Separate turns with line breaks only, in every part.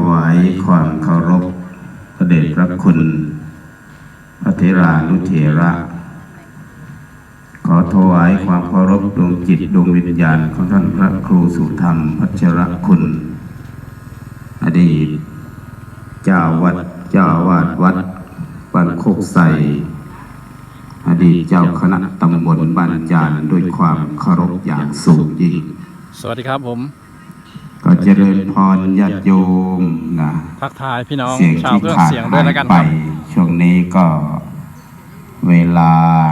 วายความเคารพพระเดชพระคุณพระเถรานุเถระขอถวายความเคารพดวงจิตดวงวิญญาณของท่านพระครูสุธรรมพัชรคุณอดีตเจ้าวาดวัดบ้านโคกไสอดีตเจ้าคณะตำบลบ้านจานด้วยความเคารพอย่างสูงยิ่ง
สวัสดีครับผม
ก็เจริญพรญาติโยมนะ
ทักทายพี่น้องชาวเครื่องเสียงด้วยแล้วกันครับ
ช่วงนี้ก็เวลา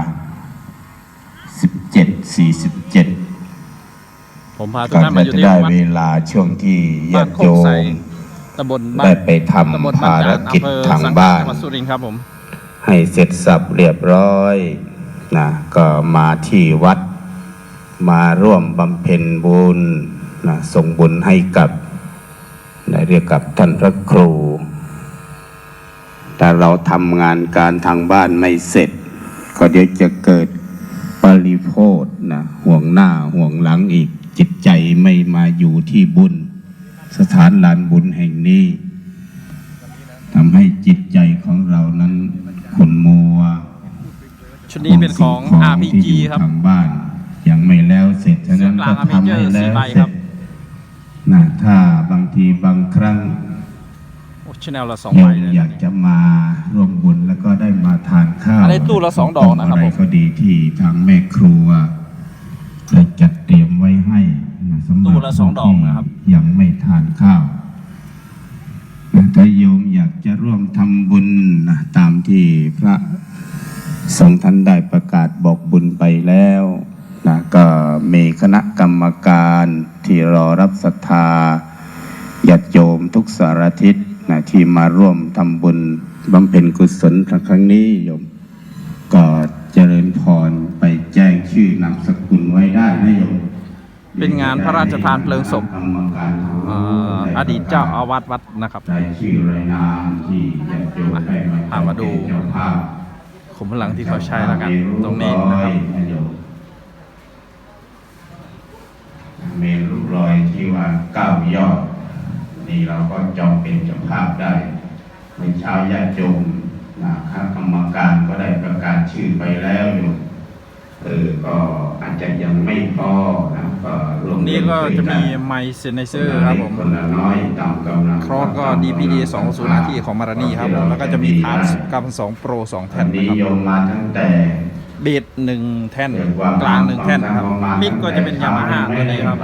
17:47
ผมพาทุกท่านมาอยู่ที่
วัดเวลาช่วงที่ญาติโยม
ตำบล
ได้ไปทำภารกิจทางบ้าน
สุรินทร์ครับผม
ให้เสร็จสับเรียบร้อยนะก็มาที่วัดมาร่วมบำเพ็ญบุญนะส่งบุญให้กับเรียกกับท่านพระครูแต่เราทำงานการทางบ้านไม่เสร็จก็เดี๋ยวจะเกิดปริโภทนะห่วงหน้าห่วงหลังอีกจิตใจไม่มาอยู่ที่บุญสถานลานบุญแห่งนี้ทำให้จิตใจของเรานั้นขุ่นมัว
ชุดนี้เป็นของ RPG ครับ
ทางบ้านยังไม่แล้วเสร็จฉะนั้นก็ทำให้แล้วเสร็จนะถ้าบางทีบางครั้ง
Channel ละ2 ใบเลย
อยากจะมาร่วมบุญแล้วก็ได้มาทานข้าว
อะไรตู้ละ2 ดอกนะครับผม
ก็ดีที่ทางแม่ครัวได้จัดเตรียมไว้ให้สำหรับ
ตู้ละ2 ดอกนะครับ
ยังไม่ทานข้าวถ้าโยมอยากจะร่วมทำบุญนะตามที่พระสงฆ์ท่านได้ประกาศบอกบุญไปแล้วนะก็มีคณะกรรมการที่รอรับศรัทธาญาติโยมทุกสารทิศนะที่มาร่วมทำบุญบำเพ็ญกุศลครั้งนี้โยมก็เจริญพรไปแจ้งชื่อนามสกุลไว้ได้นะโยม
เป็นงานพระราชทานเพลิงศพอดีตเจ้าอาวาสวัดนะครับ
ชื่อรายนามที่ญาติโยมได้
มาดูขุมพลังที่เขาใช้แล้วกันตรงนี้นะครับ
เมรุรูปรอยที่ว่า9 ยอดนี่เราก็จองเป็นเจ้าภาพได้ในชาวญาติโยมคณะกรรมการก็ได้ประกาศชื่อไปแล้วอยู่ก็อาจจะยังไม่พอนะก็
ตรงนี้ก็จะมีไมค์เซนเซอร์ครับผม
คนละน้อยตามกำลัง
ครอสก็ DPD 2 หน้าที่ของมารานีครับผมแล้วก็จะมีทาร์สกับ2 Pro 2 แท่นนะครับ
โยมมาตั้งแต่
เบส1 แท่นกลาง1 แท่นนะครับมิกก็จะเป็นยามาฮ่าตัวนี้ครับ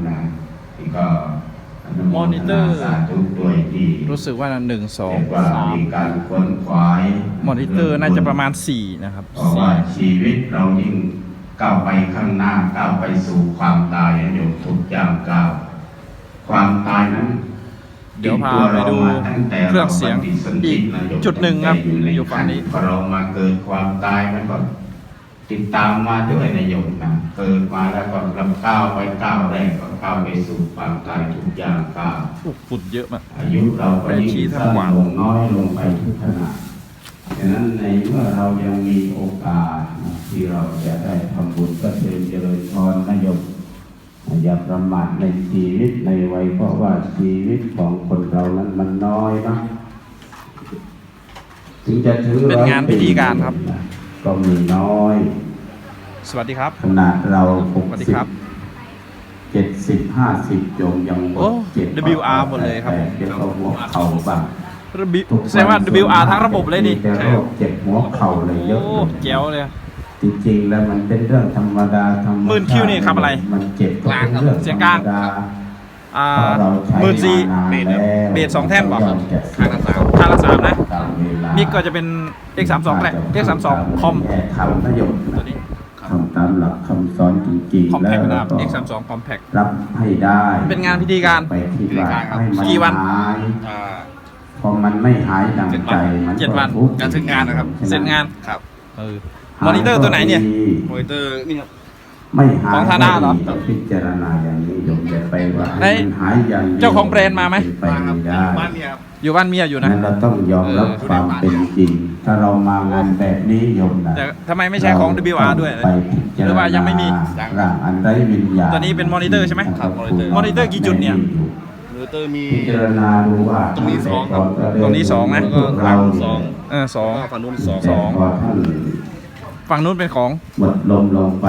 มอนิเตอร์รู้สึกว่า1 2 3มอนิเตอร์น่าจะประมาณ4นะครับ
เพราะว่าชีวิตเรายิ่งก้าวไปข้างหน้าก้าวไปสู่ความตายอยู่ทุกอย่างก้าวความตายนั้น
เดี๋ยวพาไปดูเครื่องเสียงอีกจุดหนึ่งครับอยู่ฝั่งนี้
พอเรามาเกิดความตายมันก็ติดตามมาด้วยในโยมนะเกิดมาแล้วก็ลำก้าวไปก้าวแรกก็ก้าวไปสู่ความตายทุกอย่างก้าว
ฝุ่นเยอะมาก
อายุเราก็ยิ่งสั้นลงน้อยลงไปทุกขณะฉะนั้นในเมื่อเรายังมีโอกาสที่เราจะได้ทำบุญก็เจริญพรนะโยมอย่าประมาทในชีวิตในวัยเพราะว่าชีวิตของคนเรานั้นมันน้อยนะถึงจะถึง
เป็นงานพิธีการครับ
ก็มีน้อย
สวัสดีครับ
ขนาดเรา70-50โยมยังหมด
WR หมดเลยครับ
เดี๋ยวหัวเข่าบ้าง
แสดงว่า WR ทั้งระบบเลยนี่
ใช่ครับเจ็บหัวเข่าเลยเยอะ
แจ๋วเลย
จริงๆแล้วมันเป็นเรื่องธรรมดา
หมื่นคิวนี่ครับอะไร
มันเจ็บกลาง
เสียงกลาง14,000เบส2 แท่นบอกข้างละ3นะมิกก็จะเป็น X32 แหละ X32 คอม
ทำประโยชน์ตัวนี้ทำตามหลักคำสอนจริงๆแล้วก็
X32 Compact
รับให้ได้
เป็นงานพิธีการ
ไปที่บ้านให้มัน
กี่วัน
พอมันไม่หายดังใจมัน
7 วัน
การถึงงานนะครับ
เสร็จงานครับมอนิเตอร์ตัวไหนเนี่ย
มอนิเตอร์นี่ครับ
ไม่หาย
ของธานาเหรอ
พิจารณาอย่างนี้โยมจะไปว่าหายอย่าง
เจ้าของแบรนด์มาไหม
บ้านเมีย
อยู่บ้านเมียอยู่นะ
เราต้องยอมรับความเป็นจริงถ้าเรามางานแบบนี้โยมนะ
แต่ทำไมไม่ใช่ของ WR ด้วยหรือว่ายังไม่มี
ร่างอันไร้วิญญาณ
ตัวนี้เป็นมอนิเตอร์ใช่ไหมมอนิเตอร์กี่จุดเนี่ย
เตอร์มี
พิจารณาดูว่า
ตรงนี้สองครับ
ตรงนี้สองนะ
พวกเรา
สอง
สอง
ก็ฝั่งนู้นสอง
แต่พอท่าน
ฝั่งนู้นเป็นของ
หมดลมลงไป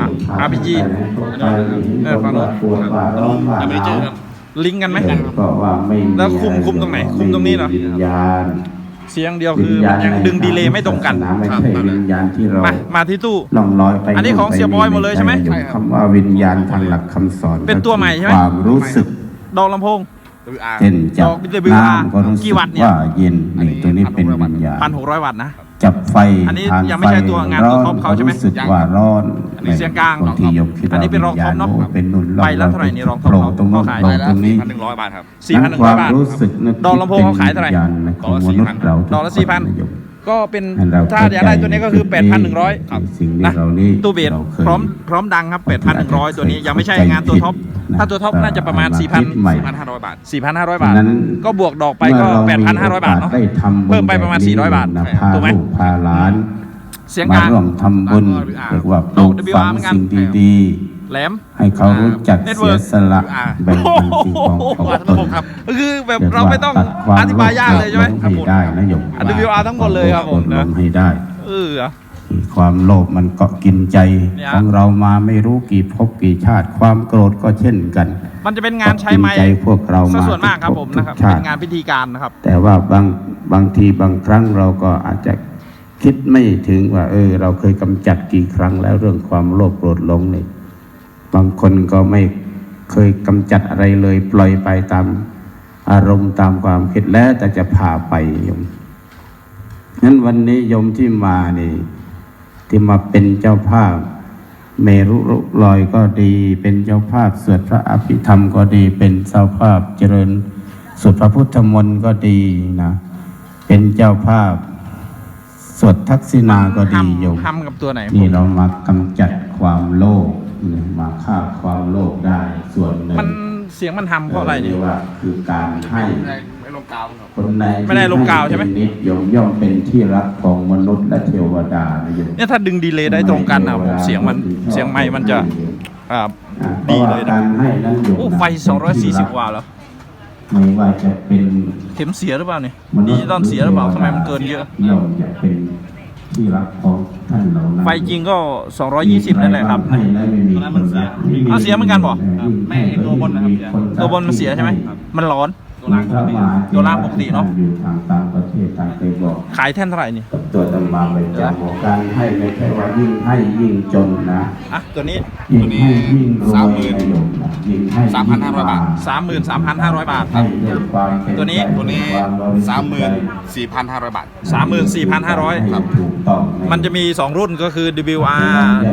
RPG
ฝั่งโน้นปวดว่าร้อนว่า
ยังไม่ได้เจอครับ
ลิงก์กันไหม
ก็ว่าไม่มี
แล้วคุมตรงไหนคุมตรงนี้เหรอ
วิญญาณ
เสียงเดียวคือมันยังดึงดีเลย์ไม่ตรงกัน
ไม่ใช่วิญญาณที่เรา
มาที่ตู้
ล่องลอยไป
อันนี้ของเสียบอยหมดเลยใช่ไหม
คำว่าวิญญาณทางหลักคำสอน
เป็นตัวใหม่ใช่ไหม
ความรู้สึก
ดอกลำโพง
WR
เช่นจับ
ดอก WR
น้ำก็รู้
กี่
สึก
วัตต์เนี่ย
ว่าเย็นนี่ตัวนี้เป็นวิญญาณ
1,600 วัตต์นะ
จับไฟ
อันนี้
ทาน
ยังไม่ใช่ตัวงานตัวท็อปเขาใช่ไหม
รู้สึกว่าร้อน
อันนี้เสียงกลาง
บางทีโยมคิด
อันนี้เป็นรองท็อปเนอะ
วิญญณเป็นนุ่น
ใบละเท่าไหร่นี่รองท็อป
โผล่ตรงนู้น
เขาขาย
โผล่ตรงนี้
1,100 บาทครับ
4,100 บาท
รู้สึกนึก
ดอกลำโพงเขาขายเท่าไหร่
วิญญณของมนุษย์เรา
ดอกละ
ทุกคนนะโยม
ก็เป็น
ให้เร
ถ้าอยากได้ตัวนี้ก็คือ 8,100
ครับสิ่งที่
นะ
เรานี่
ตู้เบส
าคย
พร้อมดังครับ 8,100 ตัวนี้ยังไม่ใช่งานตัวท็อป ถ้าตัวท็อปน่าจะประมาณ
คิดใหม่
1,500 บาท
4,500 บาท
ฉะนั้น
ก็บวกดอกไปก็
เมื่อเรามี
8,500 บาทเนาะ
โอกได้ทำบุญ
เพิ่มไปประมาณ
แบบนี้
400 บาท
นะพา
ถูกไหม
ลูกพาหลาน
เสียง
มาก
ลาง
ร่วมทำบุญเรียกว่าปลูกฝัง
เหมือนกัน
สิ่งดี
แหลม
ๆ ให้เขารู้จักเสีย
Network
สละแบ่งปันสิ่งของของตน
ครับ
ก็คือแบบ
รียก
เราไม่ต้อง
ตัดคว
อธิบายยากเลยใช่ไหม
ให้ได้นะโยม
WR ทั้งหมดเลยครับผม
ล
นะ
งให้ได้
เหรอ
ความโลภมันเกาะกินใจ
เนี่ย
ของเรามาไม่รู้กี่ภพกี่ชาติ ความโกรธก็เช่นกัน
มันจะเป็นงานใช้ไม้
เกาะกินใจพวกเรา
ซะ
มา
ส่วนมากครับผมนะครับ
ทุกชา
เป็
ติ
นงานพิธีการนะครับ
แต่ว่าบางทีบางครั้งเราก็อาจจะคิดไม่ถึงว่า เราเคยกำจัดกี่ครั้งแล้วเรื่องความโลภโกรธหลงนี่บางคนก็ไม่เคยกำจัดอะไรเลย ปล่อยไปตามอารมณ์ตามความคิดแล้วแต่จะพาไปโยมงั้นวันนี้โยมที่มานี่ที่มาเป็นเจ้าภาพเมรุลอยก็ดี เป็นเจ้าภาพสวดพระอภิธรรมก็ดี เป็นเจ้าภาพเจริญสวดพระพุทธมนต์ก็ดีนะเป็นเจ้าภาพสวดทักษิณาก็ดีโยม
ทำกับตัวไหน
นี่เรามากำจัดความโลภมาฆ่าความโลภได้ส่วนหนึ่ง
มันเสียงมันทำเพราะอะไร
เรี
เนี่ย
ยกว่าคือการให้
ไม่ลงกาวครับ
คนใน
ไม่ได้ลงกาวใช่ไหม
ที่นิดย่อมเป็นที่รักของมนุษย์และเทวดานะโยม
เนี่ยถ้าดึงดีเลย์ได้ตรงกันอ่ะผมเสียงไมค์มันจะดีเลยนะ
การให้นั้นโยม
โอ้
นะ
ไฟ 240 วัตต์แล้ว
ไม่ว่าจะเป็น
เข็มเสียหรือเปล่าเนี่ยดิจิตอลเสียหรือเปล่าทำไมมันเกินเยอะ
ย่อมจะเป็นที่รักของท่านเหล่านั้น
ไฟจริงก็ 220 นั่นแหละครับ
ให้แล้วไม่มีคนรัก
อ้าวเสียเหมือนกันเหรอ
ไม่ตัวบนนะครับ
ตัวบนมันเสียใช่ไหม มันร้อน ตัวล่างปกติเนอะ
อยู่ทางต่างประเทศต่างเคยบอก
ขายแท่นเท่าไหร่นี่
ตัวตำมาเป็นเจ้าของการให้ไม่ใช่ว่ายิ่งให้ยิ่งจนนะ
อ่ะ ตัวนี้
ยิ่งให้ยิ่งรวยนะโยมนะยิ่งให้
3,500 บาท
33,500 บาทค
ให้
รับ
ด้วยความเป็น
ตัวนี้
ตัวนี้
ความบริสุทธิ์ใจ
34,500 บาท
34,500
ให้ถูกต้อง
มันจะมี 2 รุ่นก็คือ WR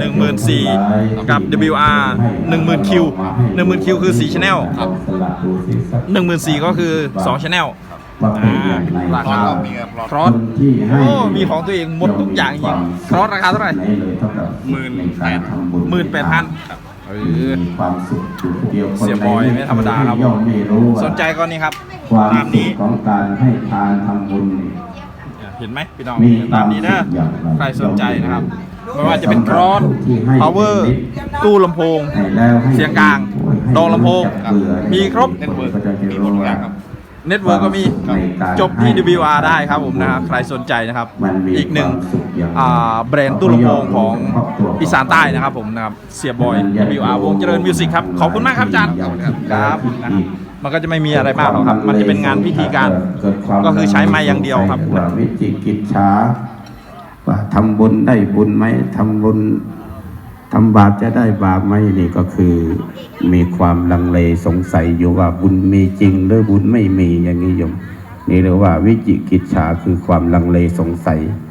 14,000กับ WR 10,000Q 10,000Q คือ4 Channel
ครับสละดูสิสัก
14,000ก็คือ2 Channel
ว่าเป็นอย่างไร
ราคา
ก็มีครับ
ครอส
คนที่ให้
โอ้มีของตัวเองหมดทุกอย่างจริงครอสราคาเท่าไหร่
นเลยเท่ากับในการทำบุญ
18,000
มีความสุขอยู่คนเดียวคน
เสียบอยไม่ธรรมดาครับ
ย่อมไม่รู้ว่า
สนใจก็นี่ครับ
ความ
ตาม
สุ
นี้
ขของการให้ทานทำบุญนี่
เห็นไหมพี่น้อง
มี
ตามนี้นะ
ความสุขอย่างไร
ใครสนใจนะครับไม่ว่าจะเป็นครอส power ตู้ลำโพง
ให้แล้วให้
เสียงกลาง
ให้
ดอกลำโพง
จับเบื่อ
มีครบ
เน็ตเวิร์ก
ก็จะ
มีหมดทุกอย่างครับ
เน็ตเวิร์กก็มี
ในการ
จบที่
ให้
WR ได้ครับผมนะครับใครสนใจนะครับ
มันมี
อีกหนึ่ง
ความสุขอย่างไร
แบรนด์ตู้ลำโพงของอีสานใต้นะครับผมนะครับเสียบอย WR วงเจริญมิวสิกครับขอบคุณมากครับอาจารย์ครับนะครับมันก็จะไม่มีอะไรมากหรอกครับ มันจะเป็นงานพิธีการ ก็คือใช้ไม้อย่างเดียวครับ
ว่าวิจิกิจฉาว่าทำบุญได้บุญไหมทำบุญทำบาปจะได้บาปไหมนี่ก็คือมีความลังเลสงสัยอยู่ว่าบุญมีจริงหรือบุญไม่มีอย่างนี้โยมนี่เรียกว่าวิจิกิจฉาคือความลังเลสงสัย